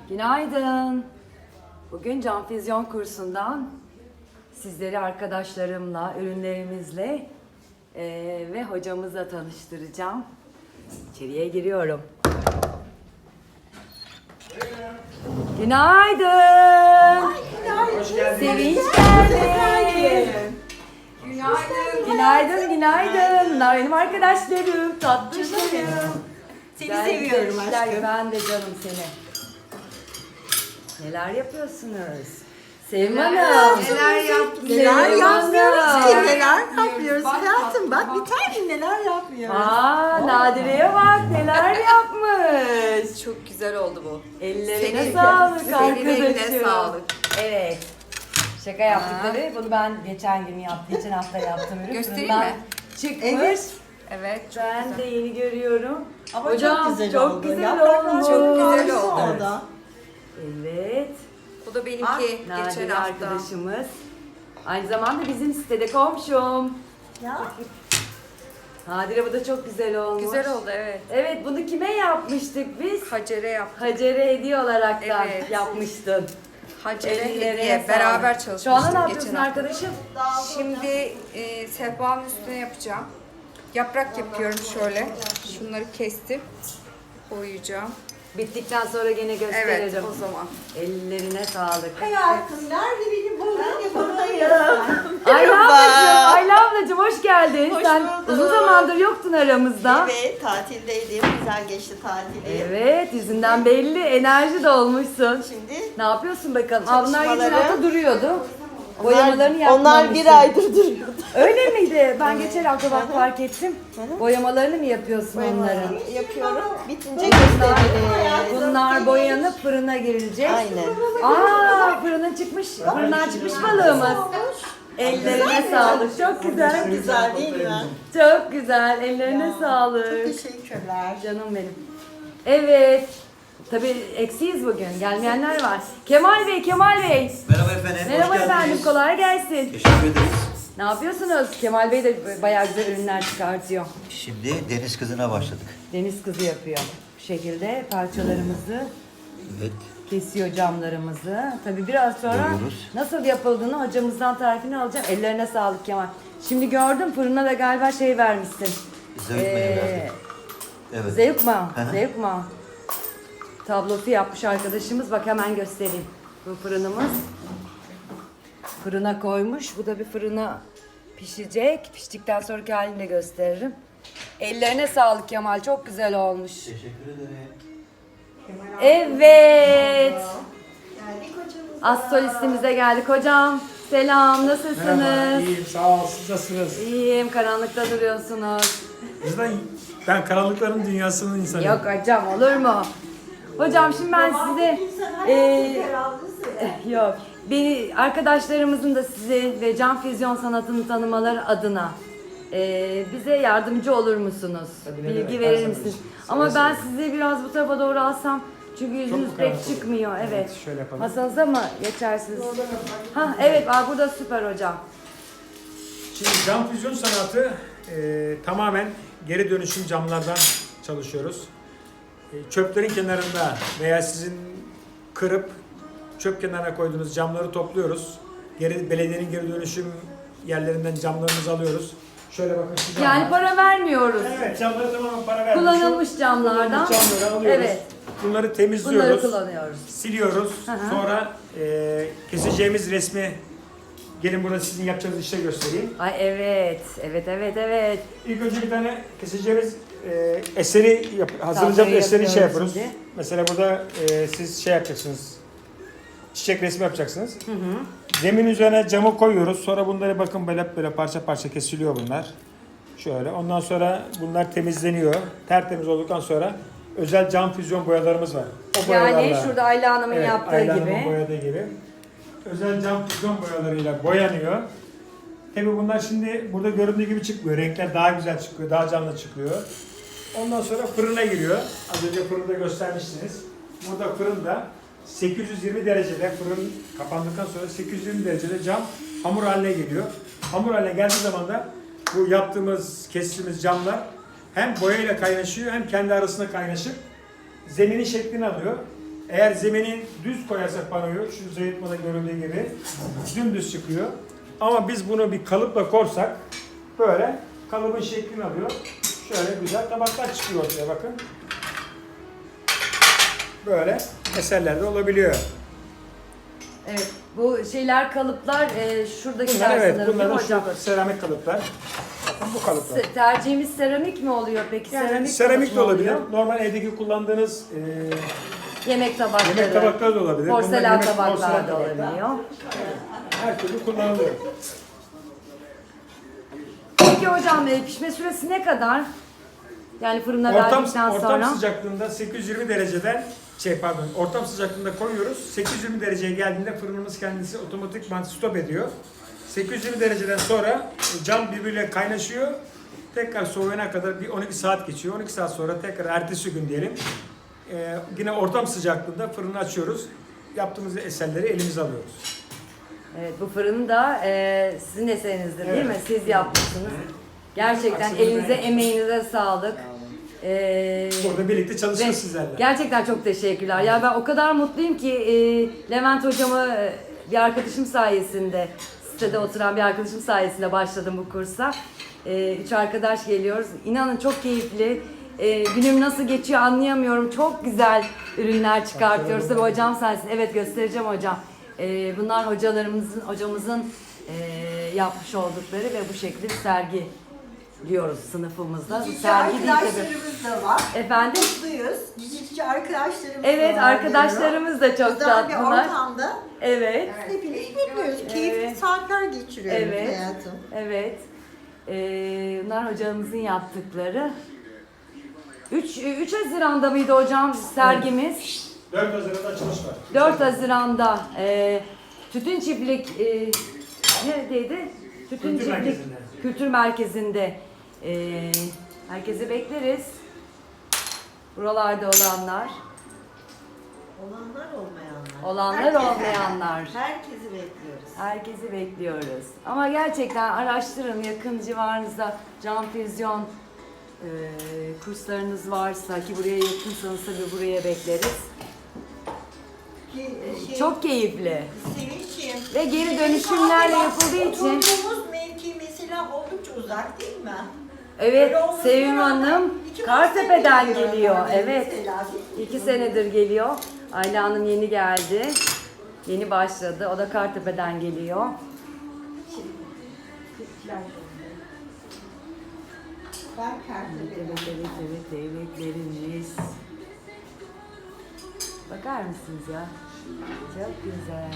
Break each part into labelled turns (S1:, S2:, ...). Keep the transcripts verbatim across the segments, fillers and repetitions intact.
S1: Günaydın. Bugün cam füzyon kursundan sizleri arkadaşlarımla, ürünlerimizle eee, ve hocamızla tanıştıracağım. İçeriye giriyorum. Günaydın.
S2: Hoş geldiniz.
S1: Sevinç geldi.
S2: Günaydın.
S1: Günaydın, günaydın. Bunlar benim arkadaşlarım, tatlışlarım.
S2: Seni
S1: Güzel
S2: seviyorum
S1: güzel
S2: aşkım.
S1: Ben de canım seni. Neler yapıyorsunuz? Sevim Hanım.
S2: Neler yaptınız?
S3: Neler
S1: Sevim
S3: yapmıyoruz
S1: Hanım.
S3: ki? Neler yapıyoruz
S2: Bak,
S3: hayatım?
S2: bak,
S3: Bak bir tane neler yapmıyoruz.
S1: Aa, Nadire'ye bak neler yapmış.
S2: Çok güzel oldu bu.
S1: Ellerine
S2: Senin-
S1: sağlık
S2: senin
S1: arkadaşım.
S2: eline sağlık.
S1: Evet. Şaka yaptıkları. Bunu ben geçen gün yaptım. Geçen hafta yaptım. Ürün
S2: Göstereyim
S1: fırından
S2: mi?
S1: Çıkmış.
S3: Evet.
S2: Evet, çok
S1: Ben
S2: güzel.
S1: de yeni görüyorum.
S3: Ama
S1: Hocam,
S3: çok güzel
S1: çok
S3: oldu.
S1: güzel
S3: Yapraklar
S1: olmuş.
S3: çok güzel
S2: Güzel oldu.
S3: oldu. O da.
S1: Evet.
S2: Bu da benimki
S3: Ah,
S2: geçen
S1: Nadire
S2: hafta.
S1: arkadaşımız. Aynı zamanda bizim sitede komşum.
S3: Ya.
S1: Nadire bu da çok güzel olmuş.
S2: Güzel oldu, evet.
S1: Evet, bunu kime yapmıştık biz?
S2: Hacer'e yaptık.
S1: Hacer'e hediye olarak da
S2: Evet.
S1: yapmıştın.
S2: Hacer'e
S1: Ellerine
S2: hediye.
S1: sağlık.
S2: Beraber
S1: Şu anda
S2: çalışmıştık
S1: ne yapıyorsun
S2: geçen hafta.
S1: arkadaşım?
S2: Şimdi e, sehpanın üstüne yapacağım. Yaprak yapıyorum şöyle. Şunları kestim. Koyacağım.
S1: Bittikten sonra gene gösteririm.
S2: Evet, o zaman.
S1: Ellerine sağlık.
S3: Hayatım nerede benim buradayım buradayım.
S1: Ayla ablacığım, Ayla ablacığım hoş geldin.
S3: Hoş
S1: Sen
S3: bulduk.
S1: uzun zamandır yoktun aramızda.
S3: Evet tatildeydim. Güzel geçti tatili.
S1: Evet, yüzünden belli. Enerji dolmuşsun.
S3: Şimdi
S1: Ne yapıyorsun bakalım? Aa, bunlar geçen
S3: Çalışmaları-
S1: hafta duruyordu. Boyamalarını yapmamışsın.
S3: onlar bir aydır duruyordu.
S1: Öyle miydi? Ben geçen hafta bak fark ettim. Boyamalarını mı yapıyorsun onların?
S3: Yapıyorum. Bitince gösteririz.
S1: Bunlar boyanıp fırına girilecek.
S3: Aynen.
S1: Aa, fırına çıkmış, fırından çıkmış balığımız. Ellerine sağlık. Çok güzel.
S3: Güzel değil mi?
S1: Çok güzel. Ellerine
S3: Çok
S1: sağlık.
S3: teşekkürler.
S1: Canım benim. Evet. Tabii eksiyiz bugün. Gelmeyenler var. Kemal Bey, Kemal Bey.
S4: Merhaba efendim.
S1: Merhaba
S4: hoş
S1: efendim,
S4: geldiniz.
S1: kolay gelsin.
S4: Teşekkür ederiz.
S1: Ne yapıyorsunuz? Kemal Bey de bayağı güzel ürünler çıkartıyor.
S4: Şimdi deniz kızına başladık.
S1: Deniz kızı yapıyor. Bu şekilde parçalarımızı
S4: Evet.
S1: kesiyor, camlarımızı. Tabii biraz sonra
S4: Boyuyoruz.
S1: nasıl yapıldığını hocamızdan tarifini alacağım. Ellerine sağlık Kemal. Şimdi gördüm fırına da galiba şey vermişsin.
S4: Zeyt
S1: Ee,
S4: mayo verdik. Evet.
S1: Zevkma,
S4: Hı hı.
S1: Zevkma. Tablosu yapmış arkadaşımız. Bak hemen göstereyim. Bu fırınımız. Fırına koymuş. Bu da bir fırına pişecek. Piştikten sonraki halini de gösteririm. Ellerine sağlık Kemal. Çok güzel olmuş.
S4: Teşekkür ederim.
S1: Evet.
S3: Geldik hocamız.
S1: Az solistimize geldik. Hocam selam. Nasılsınız?
S5: Merhaba, iyiyim. Sağ ol. Siz nasılsınız?
S1: İyiyim. Karanlıkta duruyorsunuz.
S5: Bizden ben karanlıkların dünyasının insanıyım.
S1: Yok hocam olur mu? Hocam şimdi ben size eee, yok beni arkadaşlarımızın da size ve cam füzyon sanatını tanımaları adına eee, bize yardımcı olur musunuz?
S5: Tabii, ne
S1: Bilgi
S5: demek, her
S1: verir
S5: zaman
S1: misiniz?
S5: için.
S1: Ama
S5: Seve
S1: ben
S5: seve.
S1: size biraz bu tarafa doğru alsam çünkü yüzünüz
S5: mu
S1: pek
S5: karanlık olur?
S1: çıkmıyor. Evet.
S5: Evet, şöyle yapalım.
S1: Masanıza mı geçersiniz? Ha evet, aa, burada süper hocam.
S5: Şimdi cam füzyon sanatı e, tamamen geri dönüşüm camlardan çalışıyoruz. E, çöplerin kenarında veya sizin kırıp çöp kenarına koyduğunuz camları topluyoruz. Geri belediyenin geri dönüşüm yerlerinden camlarımızı alıyoruz. Şöyle bakın şu camlar.
S1: Yani para vermiyoruz.
S5: Evet, camları tamamen para vermiş.
S1: Kullanılmış camlardan.
S5: Kullanılmış camları alıyoruz.
S1: Evet.
S5: Bunları temizliyoruz.
S1: Bunları kullanıyoruz.
S5: Siliyoruz.
S1: Hı hı.
S5: Sonra e, keseceğimiz resmi gelin burada sizin yapacağınız işe göstereyim.
S1: Ay evet, evet, evet, evet.
S5: İlk önce bir tane keseceğimiz e, eseri yap, hazırlayacağımız
S1: Tabloyu
S5: eseri şey
S1: yapıyoruz
S5: yapıyoruz.
S1: şimdi.
S5: Mesela burada e, siz şey yapacaksınız. Çiçek resmi yapacaksınız.
S1: Hı hı.
S5: Zemin üzerine camı koyuyoruz. Sonra bunları bakın böyle böyle parça parça kesiliyor bunlar. Şöyle. Ondan sonra bunlar temizleniyor. Tertemiz olduktan sonra özel cam füzyon boyalarımız var. O
S1: Yani
S5: boyalarla-
S1: şurada Ayla Hanım'ın
S5: Evet,
S1: yaptığı
S5: Ayla Hanım'ın
S1: gibi.
S5: boyadığı gibi. Özel cam füzyon boyalarıyla boyanıyor. Tabi bunlar şimdi burada göründüğü gibi çıkmıyor. Renkler daha güzel çıkıyor, daha canlı çıkıyor. Ondan sonra fırına giriyor. Az önce fırında göstermiştiniz. Burada fırında sekiz yüz yirmi derecede, fırın kapandıktan sonra sekiz yüz yirmi derecede cam hamur haline geliyor. Hamur haline geldiği zaman da bu yaptığımız, kestiğimiz camlar hem boyayla kaynaşıyor hem kendi arasında kaynaşıp zeminin şeklini alıyor. Eğer zeminin düz koyarsak panoyu, şu zeytmada görüldüğü gibi dümdüz çıkıyor. Ama biz bunu bir kalıpla korsak böyle kalıbın şeklini alıyor. Şöyle güzel tabaklar çıkıyor ortaya bakın. Böyle eserler de olabiliyor.
S1: Evet, bu şeyler kalıplar e, şuradakiler
S5: Bunlar evet,
S1: sanırım
S5: bunlar
S1: değil
S5: da
S1: mi hocam?
S5: şurada seramik kalıplar. Bakın bu kalıplar.
S1: Se- Tercihimiz seramik mi oluyor peki?
S5: Yani
S1: seramik
S5: seramik
S1: kalıp
S5: de
S1: mı
S5: olabilir.
S1: oluyor?
S5: Normal evdeki kullandığınız e,
S1: Yemek tabakları.
S5: yemek tabakları da olabilir. Bunlar
S1: Porselen
S5: yemek-
S1: tabaklar
S5: porselen
S1: da
S5: tabaklar.
S1: olabiliyor.
S5: Her türlü kullanılıyor.
S1: Peki hocam e, pişme süresi ne kadar? Yani fırına
S5: Ortam,
S1: verdikten
S5: ortam
S1: sonra.
S5: sıcaklığında sekiz yüz yirmi dereceden şey pardon ortam sıcaklığında koyuyoruz. sekiz yüz yirmi dereceye geldiğinde fırınımız kendisi otomatikman stop ediyor. sekiz yüz yirmi dereceden sonra cam birbiriyle kaynaşıyor. Tekrar soğuyana kadar bir on iki saat geçiyor. on iki saat sonra tekrar ertesi gün diyelim. Ee, yine ortam sıcaklığında fırını açıyoruz. Yaptığımız eserleri elimize alıyoruz.
S1: Evet, bu fırını da e, sizin eserinizdir değil
S5: Evet.
S1: mi? Siz yapmışsınız. Gerçekten
S5: Aslında
S1: elinize,
S5: ben-
S1: emeğinize sağlık. Ee,
S5: Burada birlikte
S1: ve
S5: çalışıyoruz sizlerle.
S1: gerçekten çok teşekkürler. Ya ben o kadar mutluyum ki e, Levent hocamı e, bir arkadaşım sayesinde, sitede oturan bir arkadaşım sayesinde başladım bu kursa. E, üç arkadaş geliyoruz. İnanın çok keyifli. E, günüm nasıl geçiyor anlayamıyorum. Çok güzel ürünler çıkartıyoruz. Tabii hocam sayesinde. Evet, göstereceğim hocam. E, bunlar hocalarımızın, hocamızın e, yapmış oldukları ve bu şekilde bir sergi diyoruz sınıfımızda. Bu
S3: Dizicici
S1: sergi değil tabii.
S3: arkadaşlarımız da var.
S1: Efendim?
S3: Mutluyuz. Dizicici arkadaşlarımız
S1: Evet,
S3: da var.
S1: arkadaşlarımız da çok
S3: Güzel bir
S1: tatlılar.
S3: ortamda
S1: Evet.
S3: hepimiz mutluyuz. Keyifli
S1: Evet.
S3: saatler geçiriyoruz
S1: Evet.
S3: hayatım.
S1: Evet. Ee, bunlar hocamızın yaptıkları. üç, üç Haziran'da mıydı hocam sergimiz?
S5: dört Haziran'da açılış var.
S1: dört Haziran'da e, Tütün Çiftlik e, neredeydi? Tütün
S5: Kültür
S1: Çiftlik
S5: Merkezi'nde.
S1: Kültür Merkezi'nde. E, herkesi bekleriz. Buralarda olanlar.
S3: Olanlar olmayanlar.
S1: Olanlar
S3: Herkes-
S1: olmayanlar.
S3: Herkesi bekliyoruz.
S1: Herkesi bekliyoruz. Ama gerçekten araştırın, yakın civarınızda cam füzyon e, kurslarınız varsa ki buraya yakınsanız tabii buraya bekleriz.
S3: Ki, şey,
S1: Çok keyifli.
S3: Sevinç'im.
S1: Ve geri dönüşümlerle yapıldığı için.
S3: Oturduğumuz mevki mesela oldukça uzak değil mi?
S1: Evet,
S3: Öyle olmasına
S1: Sevim
S3: rağmen
S1: Hanım
S3: iki
S1: Kartepe'den
S3: buçuk sene
S1: geliyor.
S3: geliyor
S1: Evet,
S3: mesela.
S1: iki senedir geliyor. Ayla Hanım yeni geldi. Yeni başladı. O da Kartepe'den geliyor.
S3: Ben
S1: Evet,
S3: Kartepe'den.
S1: evet, evet, evet, devletlerimiz. Bakar mısınız ya? Çok güzel.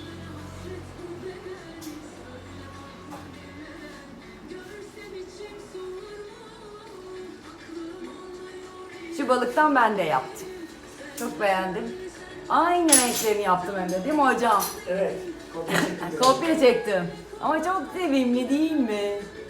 S1: Şu balıktan ben de yaptım. Çok beğendim. Aynı renklerini yaptım hem de değil mi hocam?
S5: Evet. kopya çektik.
S1: Kopya çektim. Ama çok sevimli değil mi?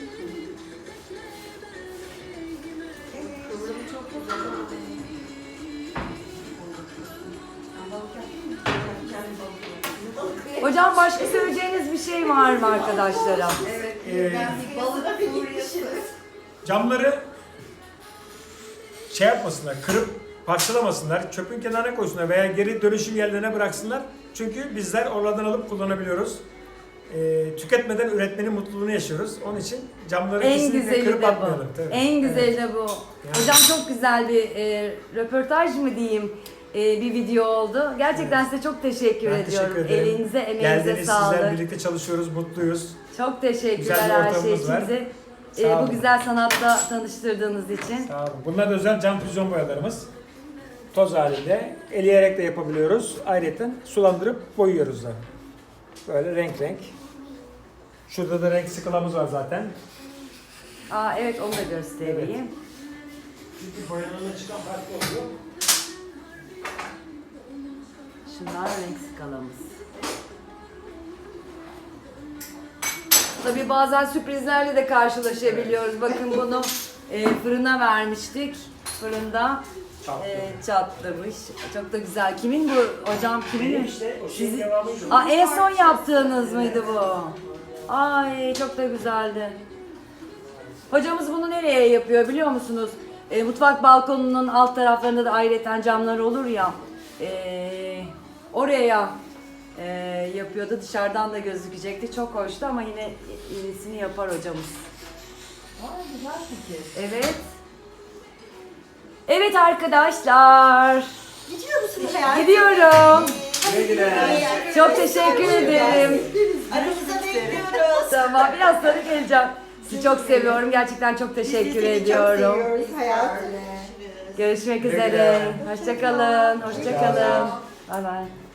S3: Kıvrımı çok güzel.
S1: Hocam başka söyleyeceğiniz bir şey var mı arkadaşlara?
S2: Evet.
S5: Ee,
S2: Ben bir balık furyası.
S5: Camları şey yapmasınlar, kırıp parçalamasınlar, çöpün kenarına koysunlar veya geri dönüşüm yerlerine bıraksınlar. Çünkü bizler oralardan alıp kullanabiliyoruz. Ee, tüketmeden üretmenin mutluluğunu yaşıyoruz. Onun için camları
S1: En
S5: kesinlikle
S1: güzeli
S5: kırıp
S1: de
S5: atmayalım.
S1: bu.
S5: Tabii.
S1: En güzeli de bu.
S5: Yani.
S1: Hocam çok güzel bir e, röportaj mı diyeyim, e, bir video oldu. Gerçekten size çok teşekkür
S5: Ben
S1: ediyorum.
S5: teşekkür ederim.
S1: Elinize, emeğinize
S5: Geldiniz,
S1: sağlık.
S5: sizler birlikte çalışıyoruz, mutluyuz.
S1: Çok teşekkürler
S5: Güzel bir
S1: her şey
S5: ortamımız
S1: için
S5: var.
S1: bizi.
S5: Sağ
S1: e, bu
S5: olun.
S1: güzel sanatla tanıştırdığınız için.
S5: Sağ olun. Bunlar da özel cam füzyon boyalarımız. Toz halinde, eleyerek de yapabiliyoruz. Ayrıca sulandırıp boyuyoruz da. Böyle renk renk. Şurada da renk skalamız var zaten.
S1: Aa, evet, onu da göstereyim.
S5: Evet. Çünkü boyanana çıkan farklı oluyor.
S1: Şunlar renk skalamız. Tabii bazen sürprizlerle de karşılaşabiliyoruz. Bakın bunu e, fırına vermiştik. Fırında
S5: Çatladı.
S1: e, çatlamış. Çok da güzel. Kimin bu hocam? Kimin?
S5: Benim işte o şeyin
S1: Sizi-
S5: devamıydı.
S1: Aa, en son yaptığınız mıydı bu? Ay, çok da güzeldi. Hocamız bunu nereye yapıyor biliyor musunuz? E, mutfak balkonunun alt taraflarında da ayrıca camlar olur ya. E, oraya e, yapıyordu. Dışarıdan da gözükecekti. Çok hoştu ama yine iyisini yapar hocamız.
S3: Aa, güzel fikir.
S1: Evet. Evet arkadaşlar.
S3: Gidiyor musun hayatım?
S1: Gidiyorum.
S5: Güle güle.
S1: Çok teşekkür ederim.
S3: Aramıza bekliyoruz.
S1: Tamam, biraz sonra geleceğim. Sizi çok seviyorum. Gerçekten çok teşekkür ediyorum.
S3: Hayatım.
S1: Görüşmek
S5: Güle
S1: üzere.
S5: güle.
S1: Hoşça kalın. Hoşça kalın. Bay bay.